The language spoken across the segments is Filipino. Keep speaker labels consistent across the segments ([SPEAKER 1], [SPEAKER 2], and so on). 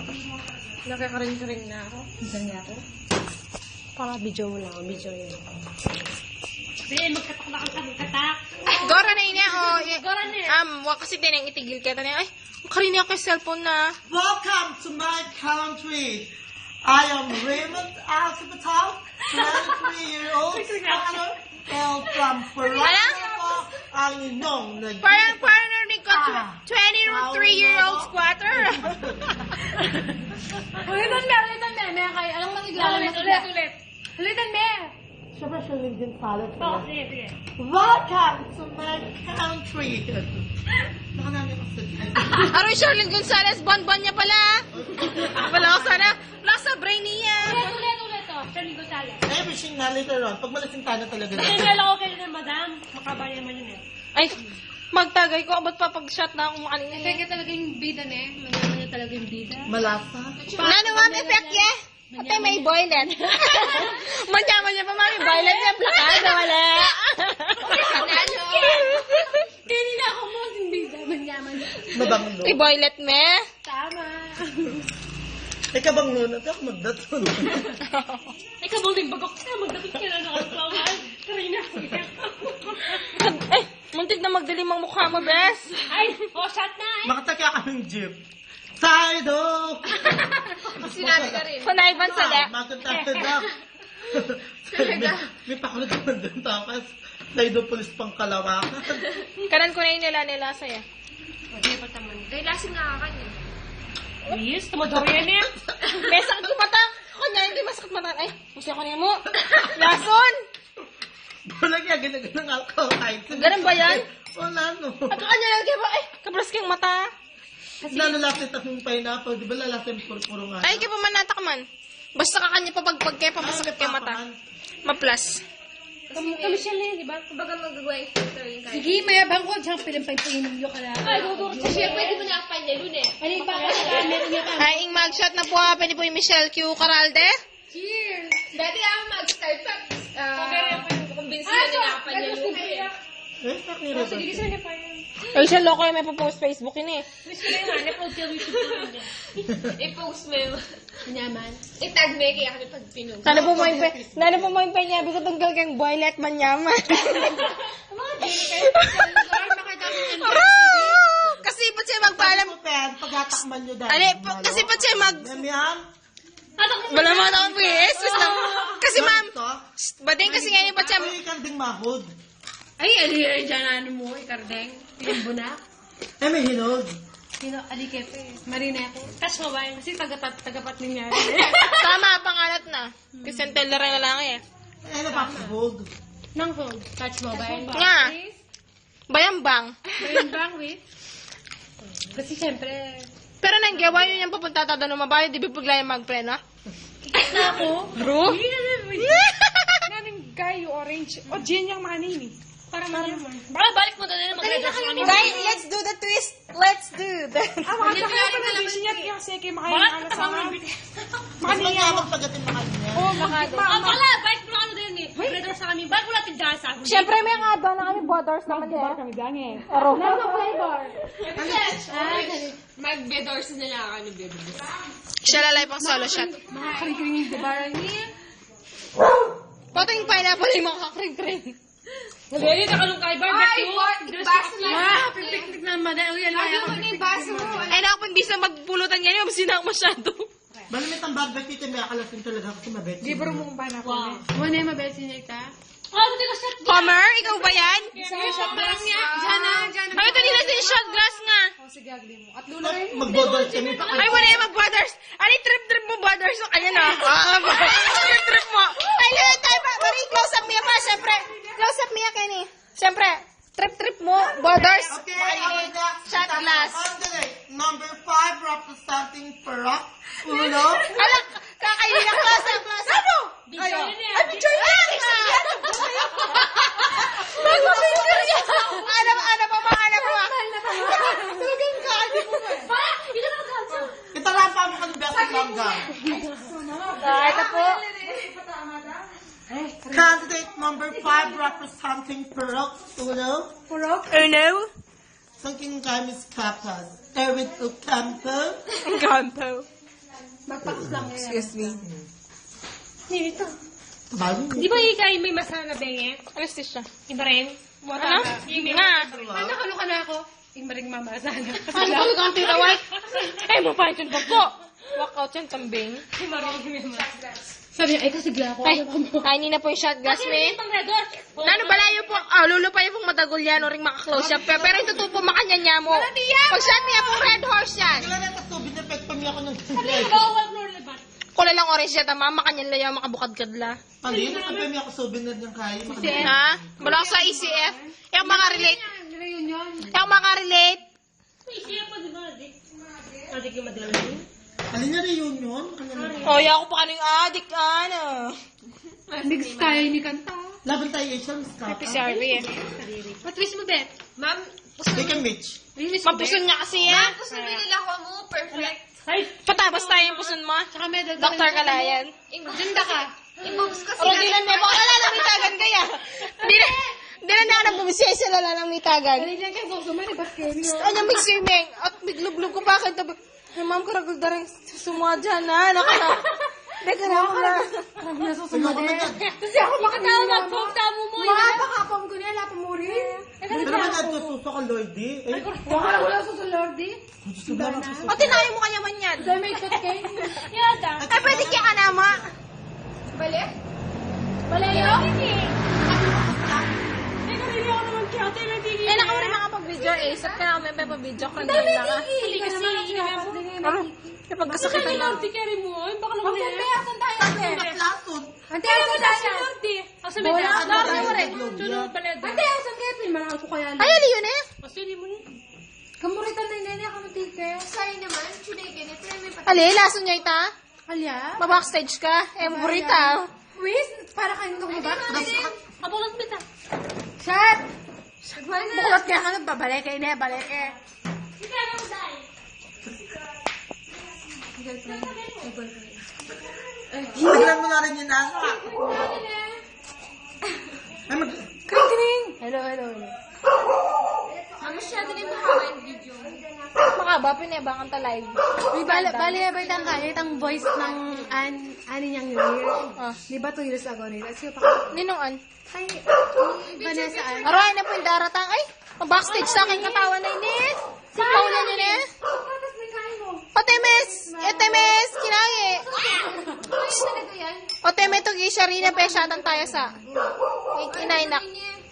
[SPEAKER 1] Nakakaring-karing na ako.
[SPEAKER 2] Isang niya ako.
[SPEAKER 1] Para video mo lang. Video yun.
[SPEAKER 3] Be, magkatak na kang katak.
[SPEAKER 1] Gora na ina o.
[SPEAKER 3] Gora na.
[SPEAKER 1] Kasi tinang itigil ka na. Ay, karin ako yung cellphone na.
[SPEAKER 4] Welcome to my country. I am Raymond Alcapatal, 23-year-old squatter, hail from Paranapa, ang inyong
[SPEAKER 1] Parang narinig ko, 23-year-old squatter.
[SPEAKER 3] Ulitan me. May kayo. Anong magiglaw? Ulit. Ulitan me.
[SPEAKER 4] Siyempre siya din salad.
[SPEAKER 3] Oo, sige.
[SPEAKER 4] Welcome to my country. Baka namin ako sa
[SPEAKER 1] Aroy, Charlene Gonzalez, bon-bon niya pala. Wala ko sana. Nasa brain niya.
[SPEAKER 3] Ulit. Charlie Gonzalez.
[SPEAKER 4] Everything na later on. Pag malasing tayo talaga.
[SPEAKER 3] Sinala ko kayo na madam. Makabaya naman yun eh.
[SPEAKER 1] Ay, magtagay ko. Abot pa pag-shot na akong kanina.
[SPEAKER 3] Teka talaga yung bida na eh. Manyaman niya talaga yung bida.
[SPEAKER 4] Malasa.
[SPEAKER 1] Nano, mami, pekye? Ate, may boylet. Manyaman niya pa, mami, boylet niya. Plakada, wala.
[SPEAKER 3] Kanina ako mo yung bida. Manyaman niya.
[SPEAKER 4] Mabanglo.
[SPEAKER 1] May boylet, me.
[SPEAKER 3] Tama.
[SPEAKER 4] Ikaw bang nun? At ako magdaton.
[SPEAKER 3] Ikaw bang din bagok ka? Magdapit ka na nakasawaan. Karina.
[SPEAKER 1] Eh, muntik na magdilim ang mukha mo, bes.
[SPEAKER 3] Ay, shot na eh.
[SPEAKER 4] Makataka kaming jeep. Saido!
[SPEAKER 1] Sinabi ka rin. Panayban sa le.
[SPEAKER 4] Magkataka na. May pakulot naman doon. Tapos, Saido pulis pang kalawakan.
[SPEAKER 1] Kanan ko na yung nila sa'yo.
[SPEAKER 3] Hindi pa taman. Dahil lasing nga ka niya. Yes, tumador yan eh.
[SPEAKER 1] May sakit yung mata. Kanya, hindi masakit mata. Ay, gusto ko niya mo. Lason!
[SPEAKER 4] Wala kaya ganang alcohol.
[SPEAKER 1] Ganun ba yan?
[SPEAKER 4] Wala no.
[SPEAKER 1] At kanya lang kayo ba? Ay, kabras kayong mata.
[SPEAKER 4] Nalalasit akong pineapple. Di ba lalasin puro nga?
[SPEAKER 1] Ay, kayo pa man natakman. Basta ka kanya papagpag kayo, pamasakit kayo mata. Maplas.
[SPEAKER 3] Kami siya lang, di ba?
[SPEAKER 1] Kumbaga magagawa yung filter yung kaya.
[SPEAKER 3] Sige, mayabang ko. Diyan pinampay-pinimyo ka na. Ay, gugurot siya.
[SPEAKER 1] Siya, pwede mo na kapay niya, Lune.
[SPEAKER 3] Ano yung baka? Meron niya pa.
[SPEAKER 1] Ay, ing mag-shot na po. Pwede po yung Michelle Q. Caralde.
[SPEAKER 3] Cheers!
[SPEAKER 1] Dati ako mag-start pa. Kumbinsi na nakapay niya, Lune.
[SPEAKER 4] Eh, saknira ba?
[SPEAKER 3] Sige, gusto niya pa yun.
[SPEAKER 1] Ay, siya loko yung may post Facebook yun eh.
[SPEAKER 3] Wish ko na yung hanap. Huwag YouTube ko niya.
[SPEAKER 1] I-post mo yung...
[SPEAKER 3] Kanyaman.
[SPEAKER 1] I-tag me kaya kami pag pinunod. Sana po mo yung penyabi ko tunggal kang boylet manyaman.
[SPEAKER 3] Mga dili kayo. Makita mo yung
[SPEAKER 1] Kasi ba't siya magpaalam?
[SPEAKER 4] Pagkatakman nyo dahil.
[SPEAKER 1] Ano, kasi ba't siya
[SPEAKER 4] Mamihan?
[SPEAKER 1] Wala mo akong PS. Kasi ma'am, bading kasi nga yun ba't siya...
[SPEAKER 4] Ay, kanding mahod.
[SPEAKER 3] Ay, aliray dyan ano mo, ikardeng. Pinambunak.
[SPEAKER 4] Eh, may hinog.
[SPEAKER 3] Sino, alikepe. Marinete. Touch mo ba yun? Kasi tagapat niya.
[SPEAKER 1] Tama, pangalat na. Kasi ang teller na lang eh.
[SPEAKER 4] Eh, napapabog.
[SPEAKER 3] Nang phone. Touch mo ba yun?
[SPEAKER 1] Nga. Bayambang.
[SPEAKER 3] Bayambang, wait. Kasi syempre,
[SPEAKER 1] Pero nang gawa yun yung papunta tayo ng mabayo, di ba bigla yung magpreno?
[SPEAKER 3] na ako.
[SPEAKER 1] Bro?
[SPEAKER 3] Naning guy, orange. O, Jen yung manin eh. Para mayaman. Balik mo doon na mag-redas kami.
[SPEAKER 1] Guys, let's do the twist. Let's do that.
[SPEAKER 3] Makakaya pa na siya yung seke makain na sa mga.
[SPEAKER 4] Mas mangyamang pagdating na kanya.
[SPEAKER 3] Oh, makado. Wala, balik mo ano din eh. Mag-redas sa kami. Balik mo natin dyan sa akin.
[SPEAKER 1] Siyempre, may nga doon na kami borders naman eh.
[SPEAKER 3] kami gange.
[SPEAKER 1] Aro.
[SPEAKER 3] Nasa flavor.
[SPEAKER 1] Mag-bedors na lang kami bedors. Siya lalay pang solo shot.
[SPEAKER 3] Makakring-kring yung dibaran niya.
[SPEAKER 1] Pating pineapple yung makakring-kring.
[SPEAKER 3] Dali, nakalungkay ba?
[SPEAKER 1] Ay, baso na.
[SPEAKER 3] Ah, pipiktik na madali. Yan lang.
[SPEAKER 1] Ano yung baso mo? Ay, naku, hindi sa magpulutan ganyan, mabasina ako masyado.
[SPEAKER 4] Malamit ang barbecue ito, may akalasin talaga kasi mabet.
[SPEAKER 3] Libro mong pineapple. Wow. Muna yung mabesi niya ka? Oh, hindi ko shot.
[SPEAKER 1] Homer, ikaw ba yan?
[SPEAKER 3] Shot glass nga. Diyan na.
[SPEAKER 1] Bakit hindi na sin shot glass nga?
[SPEAKER 3] Sige, agli mo. At lula rin.
[SPEAKER 4] Magbodol kami pa.
[SPEAKER 1] Ay, wala yung mag-brothers. Ano yung trip-trip mo, brothers? Ayan na. Trip-trip mo. Ay, yun, tayo pa. Marie, close up niya pa, syempre. Close up niya, Kenny. Syempre, trip-trip mo, brothers.
[SPEAKER 4] Okay, our next
[SPEAKER 1] Shot glass.
[SPEAKER 4] candidate, number 5, representing Perak. Uno.
[SPEAKER 1] Alak, kakainin ang close up. Ano?
[SPEAKER 3] Video yun eh.
[SPEAKER 1] Ay, video yun. Mag-picture niya. Ano pa? Talagang kaani mo ba?
[SPEAKER 3] Ito na kanso.
[SPEAKER 4] Ito lang pa mo kang best langga.
[SPEAKER 1] Ito po.
[SPEAKER 4] Candidate number 5, representing Perak. Uno.
[SPEAKER 1] Oh no.
[SPEAKER 4] Sangking Gamis Kapas. Eric Ocampo.
[SPEAKER 1] Gampo.
[SPEAKER 3] Magpakas lang yan.
[SPEAKER 1] Excuse me.
[SPEAKER 3] Nito.
[SPEAKER 4] Bago.
[SPEAKER 3] Di ba ikay may masala benge?
[SPEAKER 1] Anesthesia.
[SPEAKER 3] Iba rin?
[SPEAKER 1] Ano? Nga.
[SPEAKER 3] Nakalo ka na ako. Iba rin mamasala.
[SPEAKER 1] Ano ko kang tinawag? Eh, mapahit yung po. Walk out yan, kambing.
[SPEAKER 3] Sabi niya, ay kasi gla ako.
[SPEAKER 1] Ay, kainin na po yung shot glass, me. Nano balayo po, lulo pa yung matagol yan, o ring makaklose siya. Pero ito po makanya niya mo. Pag shot niya po, red horse yan.
[SPEAKER 4] Wala na kasubin na pet pamilya ko ng
[SPEAKER 3] Bawal mo rin ba?
[SPEAKER 1] Kula lang orange siya, tama, makanya layaw, makabukad kadla.
[SPEAKER 4] Alin, ang pamilya ko subin na niyang kaya.
[SPEAKER 1] Ha? Wala ko sa ECF. Yung makarelate.
[SPEAKER 3] Reunion.
[SPEAKER 1] Yung makarelate.
[SPEAKER 3] Isiya pa, di ba? Adik yung madala yun.
[SPEAKER 4] Alin na reunion? Ano na?
[SPEAKER 1] Oh, yaw ko pa kaning adik, ano.
[SPEAKER 3] Mix tayo ni Kanta.
[SPEAKER 4] Laban tayo Asian, Miss Kata.
[SPEAKER 1] PCRV eh.
[SPEAKER 3] Patwist mo, Bet. Ma'am,
[SPEAKER 4] Take a Mitch.
[SPEAKER 1] Mapuson niya kasi yan.
[SPEAKER 3] Ay,
[SPEAKER 1] Patabas tayo yung puson mo.
[SPEAKER 3] tsaka medal.
[SPEAKER 1] Dr. Kalayan.
[SPEAKER 3] Ganda ka.
[SPEAKER 1] Pero di lang mo, baka lalamitagan kaya. Di na ako nagbubisya sa lalamitagan.
[SPEAKER 3] Dali lang kayo susuman, eh, basket.
[SPEAKER 1] Ano, may swimming. At biglublog ko pa kita. Ay, ma'am, karagol da rin sumuha dyan, ha? Nakala. Hindi ka na ako na.
[SPEAKER 4] Sumagot na dyan.
[SPEAKER 3] Kasi ako makatawa magpong-tamo mo. Makapakapam ko niya, lapang mo rin.
[SPEAKER 4] Pero ba nagsususo ka, Lordy? Eh,
[SPEAKER 3] Wala ko lang susunod, di.
[SPEAKER 4] gusto ba lang sususo?
[SPEAKER 1] O, tinayo mo kanya man yan.
[SPEAKER 3] Dahil may ikot kayo. Yada.
[SPEAKER 1] Ay, pwede kaya ka nama.
[SPEAKER 3] Balik? Balayo?
[SPEAKER 1] Eh, naka mo rin makapag-video eh. Sat ka na kami pa-video. Kanina na ka.
[SPEAKER 3] Hindi kasi.
[SPEAKER 1] Ano? Kapag kasakitan lang.
[SPEAKER 3] Lordy ka rin mo. Baka lang kami. Asan tayo?
[SPEAKER 4] Lason.
[SPEAKER 3] Ante, asan tayo? Lordy. Asan tayo? Lordy mo rin.
[SPEAKER 4] Tulog
[SPEAKER 3] Ante, asan kayo? Malakal ko kaya.
[SPEAKER 1] Ay, ali yun eh.
[SPEAKER 3] Asili mo rin. Kamuritan na nene ako ng tike. Sa'yo naman, chunay ganito.
[SPEAKER 1] Ali, lason niya ita.
[SPEAKER 3] Alya?
[SPEAKER 1] Mabackstage ka. Eh, burita.
[SPEAKER 3] Wis, para kayo nung ba? Abulat bita. Shut! Bukulot kaya ka nung babalik kayo na, balik eh.
[SPEAKER 4] Tignan mo na rin yung nasa. Ay, mag...
[SPEAKER 1] Kring-kring.
[SPEAKER 3] Hello.
[SPEAKER 1] Makaba, pinayabangan ta live.
[SPEAKER 3] Uy, bali ba itang kaya, itang voice ng ani niyang year.
[SPEAKER 1] Ah.
[SPEAKER 3] Di ba 2 years ago nila? Siya pa.
[SPEAKER 1] Ninongan.
[SPEAKER 3] Ay, Vanessa an.
[SPEAKER 1] Aray na po yung daratang. Ay, backstage sa aking katawan na inis. Si Paula niya na.
[SPEAKER 3] Tapos may kain mo.
[SPEAKER 1] Otemes, kinangi. Oteme to gisya rin na pesyatan tayo sa. Inainak.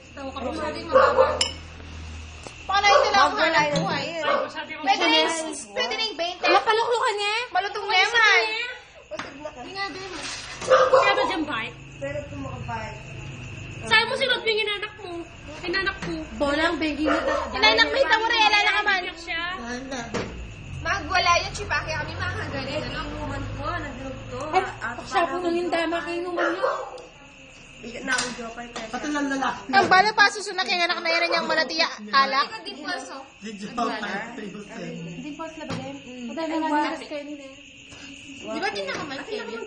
[SPEAKER 1] Baka na ito lang ako alay na buhay. Pwede na yung 20.
[SPEAKER 3] Wala paluklukan niya.
[SPEAKER 1] Malutong naman.
[SPEAKER 3] Kaya ba dyan bite? Pero kumakabite. Saan mo sinod yung inanak mo? Inanak ko. Bolang, bengi mo talaga.
[SPEAKER 1] Inainak mo ito mo rin. Alala ka man.
[SPEAKER 4] Ay, na.
[SPEAKER 2] Magwala yung chipake kami makagalit. Naluman ko, naglugto.
[SPEAKER 3] Siya po nung yung dama kayo naman yun.
[SPEAKER 4] Pati lang lalaki.
[SPEAKER 1] Ang bala pa susunod kay anak na yun niyang malatiya alak.
[SPEAKER 2] Di pulso.
[SPEAKER 4] Did you have my favorite thing?
[SPEAKER 3] Hindi po sila ba din? Madami nga nila kayo nila.
[SPEAKER 2] Di ba din naman Kevin?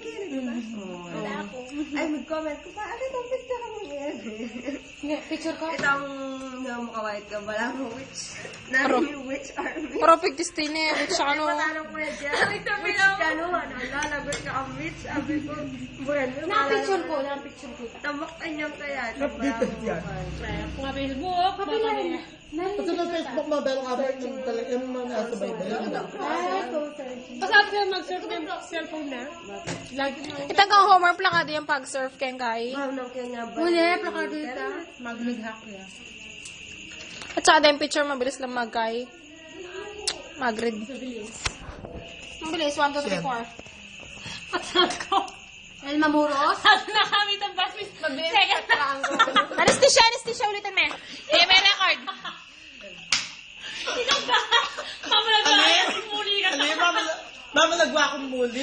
[SPEAKER 5] Ay, mag-comment ko pa. Ano itong picture ka mo yan?
[SPEAKER 3] Picture ko.
[SPEAKER 5] Itong namakawait ka, wala mo witch. Nami witch army.
[SPEAKER 1] Perfect destiny. Which ano.
[SPEAKER 5] Paano ko yan dyan? Witch ka no? Ano, lalagot ka ang witch. Sabi ko, bueno.
[SPEAKER 3] Na-picture ko. Na-picture ko.
[SPEAKER 5] Tamak anyang kaya.
[SPEAKER 4] Updated yan.
[SPEAKER 3] Kung nga Facebook, papilay.
[SPEAKER 4] Pati sa Facebook mo, meron ka rin yung talaga yung mga sabay-bay.
[SPEAKER 3] Pasabi ka mag-surf ng cellphone na. Lagi mo.
[SPEAKER 1] Itang kang homework lang ka yung pag-surf keng kay.
[SPEAKER 5] Ano kaya ba?
[SPEAKER 3] Huli, plakado ito. Mag-hack ya.
[SPEAKER 1] At saka yung picture mabilis lang magkay. Mag-read. Mabilis, 1, 2, 3, 4.
[SPEAKER 3] Pasabi ko. El Mamuros? Sabi na kami ng basis. Second na.
[SPEAKER 1] Anesthesia ulitin me. Eh, may record.
[SPEAKER 3] Ikaw ba? Mamalaga. Muli ka.
[SPEAKER 4] Ano yung mamalagwa akong muli?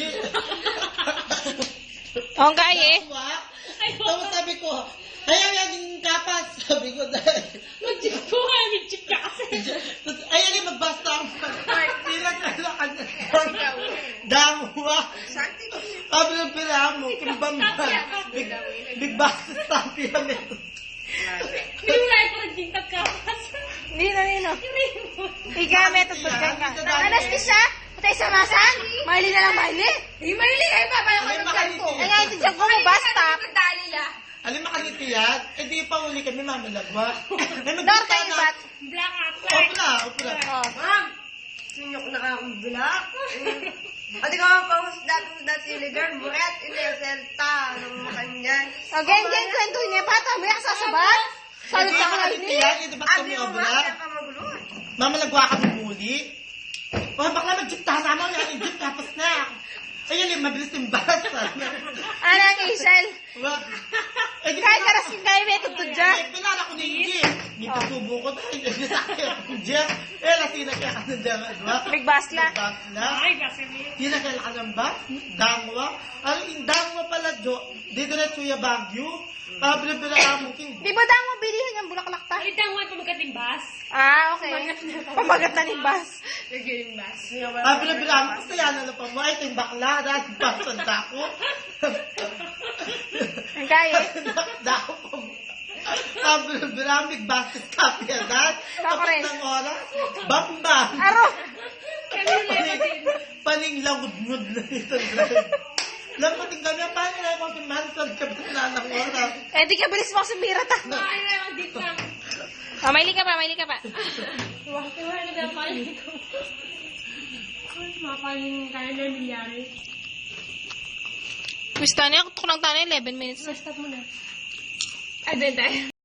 [SPEAKER 1] Oo, kay eh.
[SPEAKER 4] Tapos sabi ko, ayaw yan yung kapas. Sabi ko dahil.
[SPEAKER 3] Mag-chip ko nga. Mag-chip ka kasi.
[SPEAKER 4] Ayaw yung magbasta ang pilang kailangan. Dangwa. Sabi ng pila mo, kimbamban. Big basta sabi yan ito.
[SPEAKER 3] Yung life ko nagtingkat ka.
[SPEAKER 1] Hindi na. Ika, method ba ka? Anesthesia? Patay sa masan? Miley na lang, Miley.
[SPEAKER 3] Hindi mahilig kayo pa. Paano
[SPEAKER 4] Alin
[SPEAKER 3] ka
[SPEAKER 4] makaniti
[SPEAKER 1] Ay,
[SPEAKER 4] yan?
[SPEAKER 1] nga, ito dyan ko mo, basta.
[SPEAKER 2] Magdali la.
[SPEAKER 4] Alin makaniti yan? Eh di pa uli kami mamalagwa.
[SPEAKER 1] Dar kayo, bat?
[SPEAKER 5] Black at
[SPEAKER 4] Opla, opla.
[SPEAKER 1] Oh.
[SPEAKER 2] Ma'am, sinyo ko nakakabulak. Ate ka ang pahusdat siligan, buret, ineselta, ng makanyan.
[SPEAKER 1] O, gang, kwento niya pa. Tabi ka sasabat.
[SPEAKER 4] Eh
[SPEAKER 1] Salut
[SPEAKER 4] di
[SPEAKER 1] ka
[SPEAKER 4] makaniti
[SPEAKER 1] Miley.
[SPEAKER 4] yan? Eh di ba kami
[SPEAKER 2] Abi mo
[SPEAKER 4] obra?
[SPEAKER 2] ma'am, kaya ka magulo.
[SPEAKER 4] Mamalagwa kami muli. Oh, bakla mag-jeep kasama mo yung jeep tapos na. Ayun yung mabilis yung bus.
[SPEAKER 1] Anang Isel.
[SPEAKER 4] Eh di
[SPEAKER 1] Kahit karas yung kayo may tugtog dyan.
[SPEAKER 4] Eh, pinala ko na yung jeep. Hindi pa subo ko dahil yung sakit yung jeep. Eh, lasina kaya ka na dyan. Diba?
[SPEAKER 1] Big basla.
[SPEAKER 4] Basla.
[SPEAKER 5] Ay, kasi may...
[SPEAKER 4] Hinakala ka ng ba? Dangwa? Ano yung dangwa pala, Jo? Dito na suya Baguio? Bila-bila ka mo king.
[SPEAKER 1] Di ba daw mo bilihan yung bulaklak ta?
[SPEAKER 5] Ay, tangwa pa magkatimbas.
[SPEAKER 1] Ah, okay. Pamagat na ng bus.
[SPEAKER 5] Nag-imbas.
[SPEAKER 4] Bila-bila mo. Gusto yan na pa mo. Ay, ito yung bakla. Dahil pasanda ko.
[SPEAKER 1] Ang kaya.
[SPEAKER 4] Dako po. Bila-bila mo. Big basket copy yan. Tapos
[SPEAKER 1] rin.
[SPEAKER 4] ng oras. Bamba.
[SPEAKER 1] Aro.
[SPEAKER 4] Paning langud-ngud na nito. Lampating kami. Paano na yung mga mansal ka na ng oras?
[SPEAKER 1] Eh, di ka bilis mo sa mira ta.
[SPEAKER 5] Ay, ay, dito lang.
[SPEAKER 1] Oh, Miley ka pa, Miley ka pa.
[SPEAKER 5] Wala na ba paling ko? Mapaling kaya na milyari.
[SPEAKER 1] Gusto niya, kutok lang tayo 11 minutes.
[SPEAKER 5] Stop mo na. Ay, din tayo.